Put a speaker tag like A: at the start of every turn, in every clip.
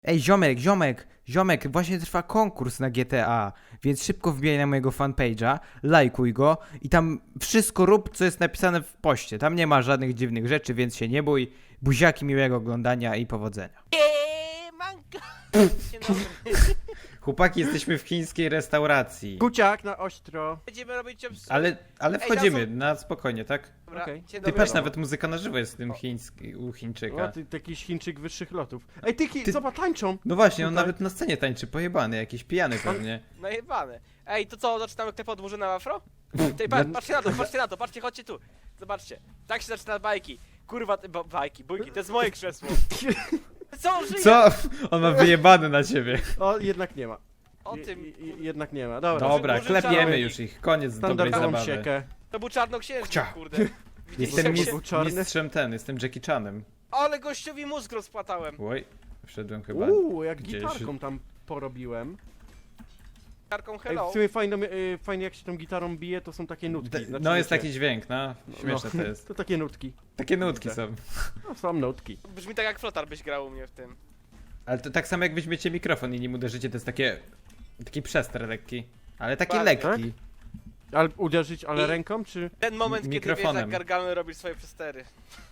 A: Ej, ziomek, właśnie trwa konkurs na GTA, więc szybko wbijaj na mojego fanpage'a, lajkuj go i tam wszystko rób, co jest napisane w poście. Tam nie ma żadnych dziwnych rzeczy, więc się nie bój. Buziaki, miłego oglądania i powodzenia.
B: Manko! Dzień dobry.
A: Chłopaki, jesteśmy w chińskiej restauracji.
C: Kuciak na ostro.
B: Będziemy robić obsługę.
A: Ale
B: Ej,
A: wchodzimy
B: tam
A: na spokojnie, tak?
B: Dobra,
C: Okej.
B: dzień
A: Ty
B: dobry.
A: patrz, nawet muzyka na żywo jest w tym u Chińczyka.
C: O, ty jakiś Chińczyk wyższych lotów. Ej,
A: Ty-
C: zobacz, tańczą.
A: No właśnie, on
C: Tutaj.
A: nawet na scenie tańczy, pojebany, jakiś pijany pewnie.
B: Najebane. Ej, to co, zaczynamy klep od Murzyna w afro? Tej, patrzcie na to, patrzcie, chodźcie tu. Zobaczcie, tak się zaczyna bajki. Kurwa, bajki, bójki, to jest moje krzesło. Co on żyje?
A: Co? On ma wyjebany na ciebie.
C: O, jednak nie ma.
B: O tym,
C: Jednak nie ma. Dobra.
A: Dobra,
B: Murzyn
A: klepiemy
B: czarny.
A: już ich, koniec dobrej
C: Standardową
A: zabawy.
C: siekę.
B: to był czarnoksiężnik,
A: Cia.
B: kurde. Widzieliście
A: Jestem
B: jak
C: mis-
B: się...
C: był czarny?
A: mistrzem jestem Jackie Chanem.
B: Ale gościowi mózg rozpłatałem.
A: Oj, wszedłem chyba.
C: Jak
A: gdzieś.
C: gitarką tam porobiłem.
B: Karką
C: Ej,
B: hello.
C: w sumie fajnie jak się tą gitarą bije, to są takie nutki. Znaczy,
A: No jest
C: wiecie,
A: taki dźwięk, no. Śmieszne to jest.
C: To takie nutki.
A: Takie nutki są.
C: No, są nutki.
B: Brzmi tak jak flotar byś grał u mnie w tym.
A: Ale to tak samo jak weźmiecie mikrofon i nim uderzycie, to jest taki przester lekki. Ale taki
B: Tak.
A: lekki.
C: Ale uderzyć, ale
B: I-
C: ręką, czy...
B: Ten moment, kiedy wiesz,
A: Mikrofonem.
B: jak Gargamel robisz swoje przestery.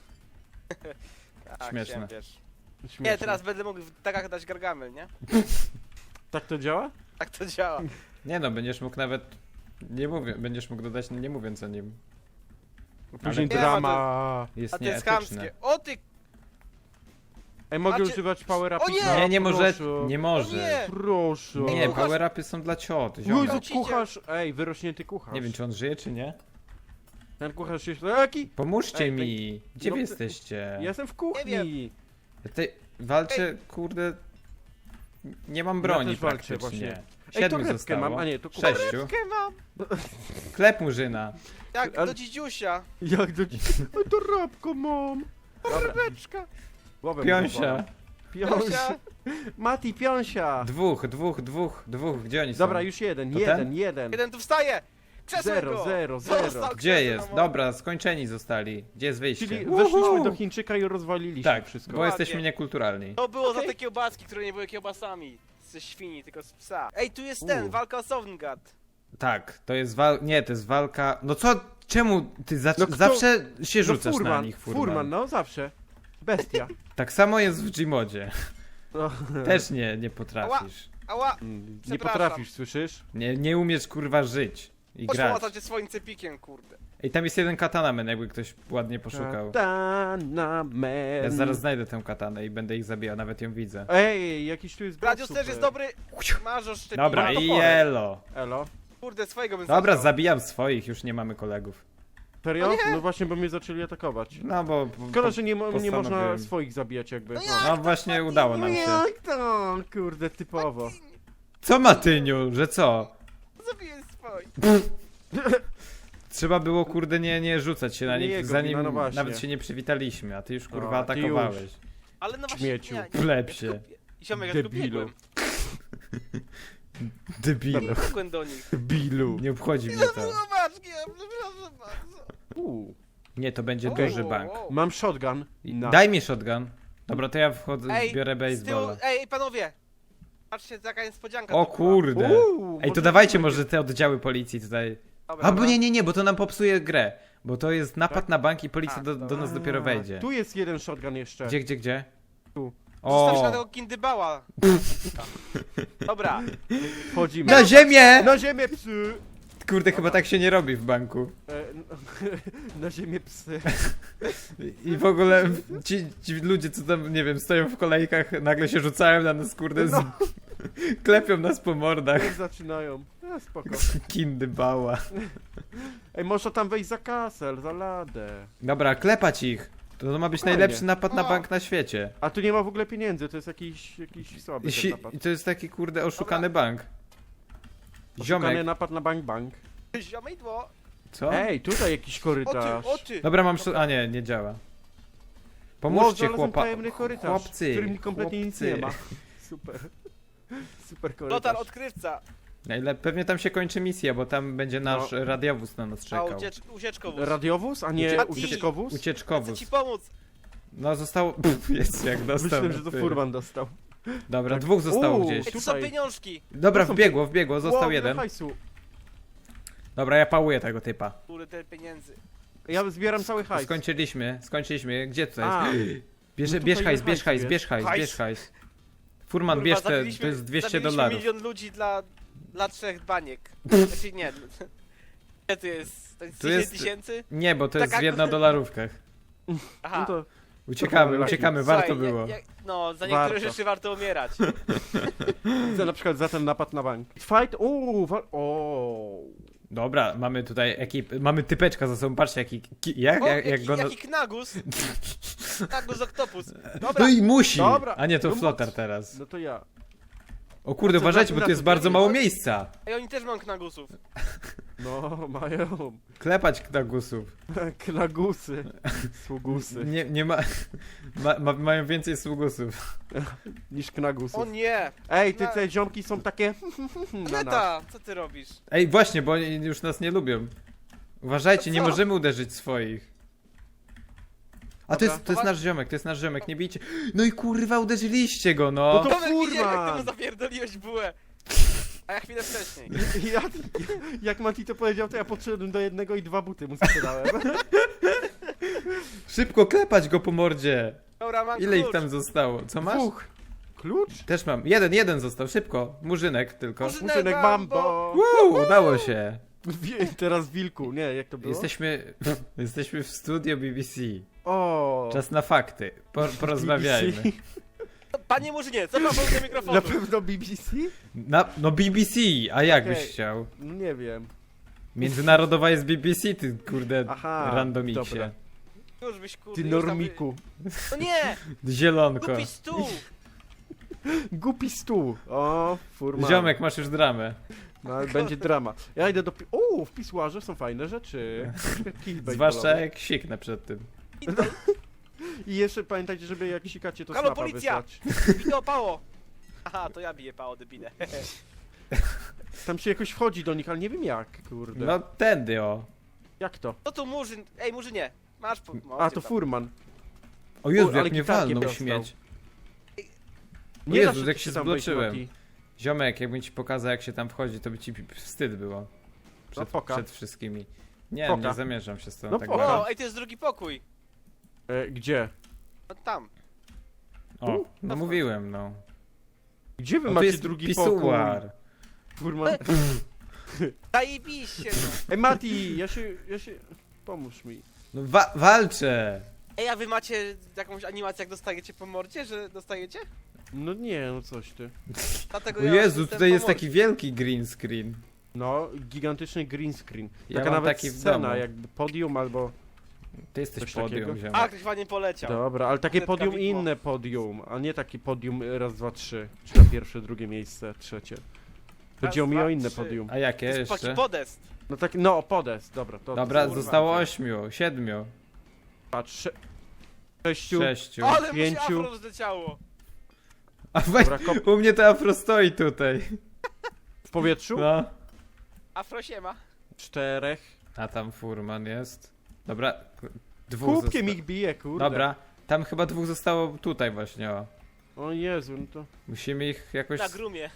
B: Tak,
A: Śmieszne.
B: chciałem, wiesz.
C: Śmieszne.
B: Nie, teraz będę mógł w tagach dać Gargamel, nie?
C: Tak to działa?
B: Tak to działa.
A: Nie no, będziesz mógł nawet... Nie mówię, będziesz mógł dodać nie mówiąc o nim.
C: Później
B: Nie,
C: drama.
A: Jest
B: A to jest chamskie.
A: nieetyczne.
B: O ty!
C: Ej, mogę
B: Macie-
C: używać power
B: O
C: upi?
B: nie!
A: Nie może,
C: Proszę.
A: nie może.
B: nie!
C: Proszę.
A: Nie,
B: kucharz-
A: power upy są dla ciot,
C: Jezu,
A: ziomek.
C: kucharz! Ej, wyrośnięty kucharz.
A: Nie wiem, czy on żyje, czy nie.
C: Ten kucharz jest... Jaki?
A: Pomóżcie
C: Ej,
A: mi! Gdzie
C: no
A: wy
C: ty-
A: jesteście?
C: Ja jestem w kuchni.
B: Nie
A: Ja tutaj walczę, kurde... Nie mam broni
C: też walczę
A: praktycznie.
C: właśnie. Ej,
A: 7
C: torebkę
A: zostało.
C: mam, a nie, to kucharz.
A: 6.
B: Torebkę mam!
A: Klep Murzyna.
B: Jak
C: Ale-
B: do dzidziusia.
C: Jak do... Ej, torebkę mam.
B: Torebeczka.
C: Głowę
A: Piąsia.
C: Piąsia. Mati, piąsia.
A: Dwóch. Gdzie oni są?
C: Dobra, już jeden.
A: To ten?
B: Jeden tu wstaje! Krzesłem
C: Zero,
B: go!
C: zero,
B: Został
C: zero.
A: Gdzie
B: krzesłem
A: jest?
B: na
A: Dobra, skończeni zostali. Gdzie jest wyjście?
C: Czyli
A: Uhu!
C: weszliśmy do Chińczyka i rozwaliliśmy
A: Tak,
C: wszystko.
A: bo
B: Ładnie.
A: jesteśmy niekulturalni.
B: To było za
C: Okej.
B: te kiełbaski, które nie były kiełbasami. Ze świni, tylko z psa. Ej, tu jest ten, walka o Sovngat.
A: Tak, to jest Nie, to jest walka... No co? Czemu ty
C: No kto-
A: zawsze się
C: No
A: rzucasz na
C: furman,
A: nich,
C: furman, no zawsze. Bestia.
A: Tak samo jest w Gmodzie.
C: No.
A: Też nie potrafisz.
B: Ała!
C: Nie
B: Przepraszam.
C: potrafisz, słyszysz?
A: Nie umiesz kurwa żyć i
B: Chodź
A: grać.
B: pomacać się swoim cepikiem, kurde.
A: Ej, tam jest jeden katanamen, jakby ktoś ładnie poszukał.
C: Katana man.
A: Ja zaraz znajdę tę katanę i będę ich zabijał, nawet ją widzę.
C: Ej, jakiś tu jest
B: Gladius
C: bot
B: też jest
C: super.
B: dobry. Marzo szczepina.
A: Dobra,
C: Ma
A: i
C: toporek.
A: elo.
C: Elo.
B: Kurde, swojego bym
A: Dobra,
B: zabrał.
A: zabijam swoich, już nie mamy kolegów.
C: Serio?
B: O nie!
C: No właśnie, bo mnie zaczęli atakować.
A: No bo...
C: Szkoda, że nie można
A: postanowiłem.
C: swoich zabijać jakby.
B: No
A: No właśnie udało nam się.
C: Jak to? Kurde, typowo.
A: Co Matyniu, że co?
B: Zabiję swoich.
A: Trzeba było kurde nie rzucać się na
C: Nie
A: nich,
C: jego
A: zanim
C: wina, no właśnie.
A: nawet się nie przywitaliśmy, a ty już kurwa
C: A, ty
A: atakowałeś.
B: Ale no właśnie,
C: Śmieciu.
B: nie.
A: Plepsie.
B: Ziomek, ja tylko
C: Debilu.
B: biegłem.
A: Debilu.
B: Biegłem do nich.
C: Bilu.
A: Nie obchodzi mnie to.
B: Zobacz, przepraszam bardzo.
A: Nie, to będzie
B: O,
A: duży
B: o,
A: bank.
B: o.
C: Mam shotgun. No.
A: Daj mi shotgun. Dobra, to ja wchodzę,
B: Ej,
A: biorę
B: z tyłu,
A: baseballa.
B: ej, panowie! Patrzcie, jaka niespodzianka.
A: O
B: tu była.
A: kurde. Ej, to
C: może
A: dawajcie
C: będzie-
A: może te oddziały policji tutaj.
B: Dobra,
A: A bo
B: dobra.
A: nie, bo to nam popsuje grę. Bo to jest napad
C: Tak?
A: na bank i policja
B: A,
A: do nas dopiero wejdzie.
C: Tu jest jeden shotgun jeszcze.
A: Gdzie?
C: Tu.
B: Zostaw się na
A: O!
B: tego kindybała. Dobra.
C: Wchodzimy.
A: Na ziemię!
C: Na ziemię psy!
A: Kurde, chyba tak się nie robi w banku.
C: Na ziemię psy.
A: I w ogóle ci ludzie, co tam, nie wiem, stoją w kolejkach, nagle się rzucają na nas, kurde, klepią nas po mordach.
C: Jak zaczynają. No spoko.
A: Kindy bała.
C: Ej, można tam wejść za kasel, za ladę.
A: Dobra, klepać ich. To ma być
C: Fajnie.
A: najlepszy napad na
B: O.
A: bank na świecie.
C: A tu nie ma w ogóle pieniędzy, to jest jakiś słaby ten napad.
A: I to jest taki, kurde, oszukany bank.
C: Oszukany
A: Ziomek.
C: napad na bank.
B: Ziomidło.
A: Co?
C: Ej, tutaj jakiś
B: O ty,
C: korytarz.
B: o ty.
A: Dobra, mam... A nie działa. Pomóżcie,
C: Znalazłem tajemny korytarz,
A: chłopcy.
C: w którym kompletnie nic nie ma.
A: chłopcy.
C: Super. Super korytarz.
B: Lotar odkrywca.
A: Pewnie tam się kończy misja, bo tam będzie nasz radiowóz na nas
B: A
A: czekał.
B: ucieczkowóz.
C: Radiowóz, a nie
B: Mati.
C: ucieczkowóz?
B: Chcę
A: Ucieczkowóz.
B: ci pomóc.
A: No zostało... Jest jak dostał.
C: Myślałem, że to furman dostał.
A: Dobra, dwóch zostało
C: Uuu,
A: gdzieś.
B: Ej, tu są
C: Tutaj.
B: pieniążki.
A: Dobra,
C: są
A: wbiegło, został
C: Wow,
A: jeden.
C: ile hajsu.
A: Dobra, ja pałuję tego typa.
B: Kurde, pieniędzy.
C: Ja zbieram cały hajs.
A: Skończyliśmy. Gdzie tutaj
C: A,
A: jest? Bierz,
C: no
A: bierz
C: tutaj
A: hajs,
C: ile
A: bierz hajs,
C: hajsu
A: bierz hajs,
B: Hajs.
A: bierz hajs. Furman,
B: Kurwa,
A: bierz te,
B: zabiliśmy-
A: to jest 200
B: zabiliśmy
A: dolarów.
B: milion ludzi dla 3 baniek. Znaczy nie. Ile to jest? To jest
A: Tu
B: 10
A: jest-
B: tysięcy?
A: Nie, bo to jest
B: Taka-
A: w dolarówkach.
B: Aha.
C: no to
A: Uciekamy,
C: Słuchaj,
A: warto było.
B: No, za niektóre
C: Warto.
B: rzeczy warto umierać.
C: widzę na przykład za ten napad na bank. Fight, o.
A: Dobra, mamy tutaj mamy typeczka za sobą, patrzcie jaki,
B: O,
A: jak go...
B: jaki knagus. Knagus oktopus. Dobra.
A: No i musi!
C: Dobra.
A: A nie, to
C: No
A: flotar teraz.
C: No to ja.
A: O kurde,
C: co,
A: uważajcie, bo
C: na
A: tu jest
C: to
A: bardzo
C: zrobili?
A: mało miejsca.
B: Ej, oni też mają knagusów.
C: No, mają.
A: Klepać knagusów.
C: Knagusy. Sługusy.
A: Nie ma... mają więcej sługusów.
C: Niż knagusów.
B: O nie!
C: Ej, te ziomki są takie na nas.
B: Neta, co ty robisz?
A: Ej, właśnie, bo oni już nas nie lubią. Uważajcie,
B: To
A: nie
B: co?
A: możemy uderzyć swoich. A
C: Dobra.
A: to jest nasz ziomek, nie bijcie. No i kurwa, uderzyliście go, no.
C: No to-
B: Tomek, widziałem, jak
C: furman.
B: temu zapierdoliłeś bułę. A ja chwilę wcześniej.
C: Ja, jak Mati to powiedział, to ja podszedłem do jednego i 2 buty mu sprzedałem.
A: Szybko klepać go po mordzie.
B: Dobra, mam
A: Ile ich
B: klucz.
A: tam zostało? Co masz?
C: 2. Klucz?
A: Też mam. Jeden został, szybko. Murzynek tylko.
B: Murzynek
C: Muszynek
B: Mambo.
C: Mambo.
A: Udało się.
C: Teraz wilku, nie, jak to było?
A: Jesteśmy w studio BBC.
C: O.
A: Czas na fakty. Porozmawiajmy.
C: BBC?
B: Panie Murzynie, co pan do mikrofonu?
C: Na pewno BBC?
A: No BBC, a jak byś
C: Okej.
A: chciał?
C: No nie wiem.
A: Międzynarodowa jest BBC, ty kurde
C: Aha,
A: randomiksie.
C: dobra.
B: Już byś kurde.
C: Ty
B: już tam
C: normiku.
B: No nie!
A: Zielonko.
B: Głupi stół!
C: Głupi stół. O, furman.
A: Ziomek, masz już dramę.
C: No, ale będzie drama. Ja idę do... O, w pisuarze są fajne rzeczy. Kickbait
A: Zwłaszcza
C: balowy.
A: jak siknę przed tym.
C: I jeszcze pamiętajcie, żeby jak sikacie, to
B: Halo,
C: snapa
B: policja!
C: wysłać.
B: Bito pało! Aha, to ja biję pało, debile.
C: Tam się jakoś wchodzi do nich, ale nie wiem jak, kurde.
A: No tędy o.
C: Jak to?
B: No tu Murzyn, ej Murzynie! Masz po...
C: A, to furman.
A: O Jezu,
C: O, ale
A: jak mnie
C: gitarkiem
A: walnął
C: dostał.
A: śmieć. O
C: Nie
A: Jezu,
C: da
A: jak
C: ci
A: się
C: tam wejść,
A: zbloczyłem.
C: Mati.
A: Ziomek, jakbym ci pokazał jak się tam wchodzi, to by ci wstyd było.
C: No poka.
A: Przed wszystkimi. Nie,
C: Poka.
A: nie zamierzam się z tobą
C: No
A: tak
C: poka.
A: bawić.
B: O, ej, to jest drugi pokój.
C: Gdzie?
B: No tam.
A: O, no mówiłem, no.
C: Gdzie wy
A: O, tu
C: macie
A: jest
C: drugi pokój?
A: pisuar.
C: Furman.
B: Zajebiście, no.
C: Ej, Mati, ja się... Pomóż mi.
A: No walczę!
B: Ej, a wy macie jakąś animację, jak dostajecie po mordzie, że dostajecie?
C: No nie, no coś ty.
B: Dlatego
A: O
B: ja
A: Jezu,
B: jestem
A: tutaj
B: po
A: jest
B: mordzie.
A: taki wielki green screen.
C: No, gigantyczny green screen.
A: Ja
C: Taka
A: mam
C: nawet
A: taki w
C: scena,
A: domu.
C: jakby podium albo...
A: Ty jesteś
C: Coś
A: podium,
C: takiego?
A: ziomek.
B: A, ktoś ładnie poleciał.
C: Dobra, ale takie
B: Kredka
C: podium i
B: widmo.
C: inne podium, a nie takie podium raz, dwa, trzy. Czy na pierwsze, drugie miejsce, trzecie. Chodziło mi
B: dwa,
C: o inne
B: trzy.
C: podium.
A: A jakie
B: To jest taki
A: jeszcze?
B: podest.
C: No tak, no podest, dobra. To
A: Dobra,
C: kurwa,
A: zostało
C: to-
A: 8, 7,
C: Patrz, 6.
A: 6.
B: Ale mu się
C: Pięciu.
B: afro rozleciało.
A: A weź,
C: Dobra, kop
A: u mnie to afro stoi tutaj.
C: w powietrzu.
A: No.
B: Afro siema.
C: 4.
A: A tam furman jest. Dobra,
C: Kubkiem ich bije, kurde.
A: Dobra, tam chyba 2 zostało tutaj właśnie, o.
C: O Jezu, no to...
A: Musimy ich jakoś...
B: Na grumie.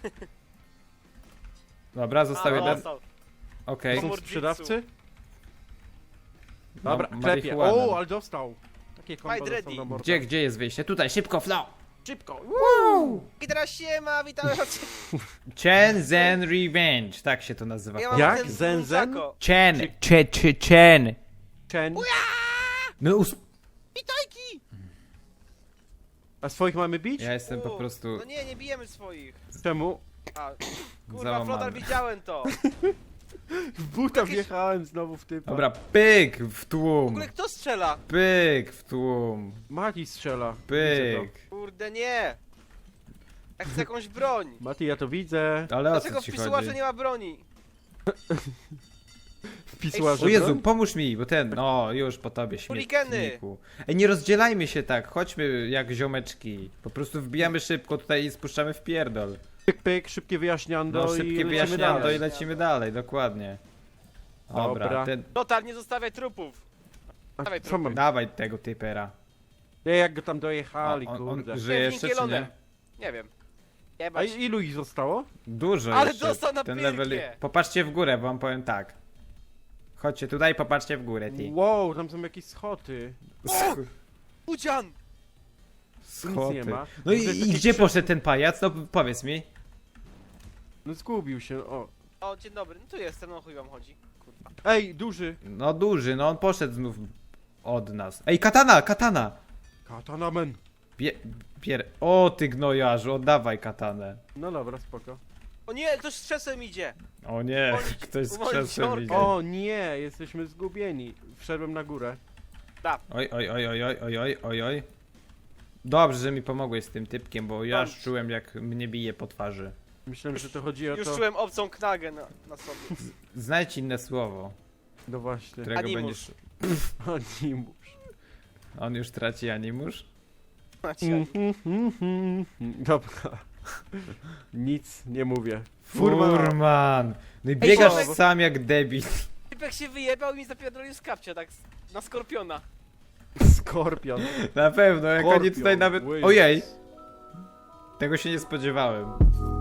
A: Dobra, został
B: A,
A: jeden.
B: dostał.
A: Okej.
C: Są
B: Pomordźicu.
C: sprzedawcy?
A: No,
C: Dobra, klepie.
A: marihuana.
C: O, ale dostał. Takie kombo
B: Fight
C: dostał
B: ready.
C: na mordę.
A: Gdzie jest wyjście? Tutaj, szybko, flow!
C: Szybko.
B: I teraz siema, witam was.
A: Chen Zen Revenge, tak się to nazywa.
B: Ja mam
C: Jak?
B: ten
C: Zen, zen?
B: nunchako.
A: Chen, Chen.
C: Chen.
A: No
B: Witajki!
C: A swoich mamy bić?
A: ja jestem po
B: U,
A: prostu
B: No nie, nie bijemy swoich.
C: Czemu?
B: A, kurwa,
A: załamany.
B: Flotar, widziałem to.
C: W buta
B: Jakieś-
C: wjechałem znowu w typa.
A: Dobra, pyk w
B: W
A: tłum.
B: ogóle kto strzela?
A: Pyk w tłum.
C: Mati strzela. Widzę to.
A: Pyk.
B: Kurde, nie. Ja chcę jakąś broń.
C: Mati, ja to widzę.
A: Ale o
B: Dlaczego
A: co
B: w
A: ci
B: pisuarze
A: chodzi?
B: nie ma broni?
C: W pisuarze
A: O Jezu,
C: broń?
A: pomóż mi, bo ten, no już po tobie
B: Chuligany.
A: śmietniku. Ej, nie rozdzielajmy się tak, chodźmy jak ziomeczki. Po prostu wbijamy szybko tutaj i spuszczamy w pierdol.
C: Pyk, pyk, szybkie wyjaśniando
A: No
C: i
A: szybkie
C: lecimy
A: wyjaśniando
C: dalej.
A: i lecimy dalej, dokładnie. Dobra,
C: Dobra.
A: ten,
B: Flotar, nie zostawiaj trupów.
C: A
B: Dawaj,
C: co mam?
A: dawaj tego typera.
C: Nie, jak go tam dojechali,
A: on
C: kurde.
A: żyje
B: Nie,
A: jeszcze czy nie?
B: Winkelonem. Nie wiem.
C: A
B: Jebać.
C: ilu ich zostało?
A: Dużo
B: Ale
A: jeszcze.
B: dostał na
A: Ten
B: pyrkie.
A: level... Popatrzcie w górę, wam powiem tak. Chodźcie tutaj, popatrzcie w górę, ty.
C: Wow, tam są jakieś schody.
B: Udzian!
A: Schody.
C: nie ma.
A: No
C: To jest
A: i
C: takie
A: gdzie
C: krzew-
A: poszedł ten pajac? No powiedz mi.
C: No zgubił się, o.
B: O, dzień dobry, no tu jestem, no chuj wam chodzi. Kurwa.
C: Ej, duży.
A: No duży, no on poszedł znów od nas. Ej, katana, katana!
C: Katanamen.
A: O ty gnojarzu, oddawaj katanę.
C: No dobra, spoko.
B: O nie, ktoś z krzesłem idzie!
A: O nie,
B: Uwolnić-
A: ktoś z
B: uwolnić
A: krzesłem
B: orka.
A: idzie.
C: O nie, jesteśmy zgubieni. Wszedłem na górę.
A: Oj, oj, oj, oj, oj, oj, oj, oj, oj. Dobrze, że mi pomogłeś z tym typkiem, bo ja aż czułem jak mnie bije po twarzy.
C: Myślałem, że to chodzi o
B: Już
C: to...
B: czułem obcą knagę na sobie.
A: Znajdź inne słowo,
C: No właśnie.
A: którego
B: Animusz.
A: będziesz...
C: Animusz.
A: On już traci animusz?
C: Dobra. Nic nie mówię.
A: Furman! No i biegasz
B: Ziomek.
A: sam jak debil.
B: Typek się wyjebał i mi zapierdolił z kapcia, tak na skorpiona.
C: Skorpion.
A: Na pewno, jak oni
C: Skorpion,
A: tutaj nawet...
C: Wills.
A: Ojej! Tego się nie spodziewałem.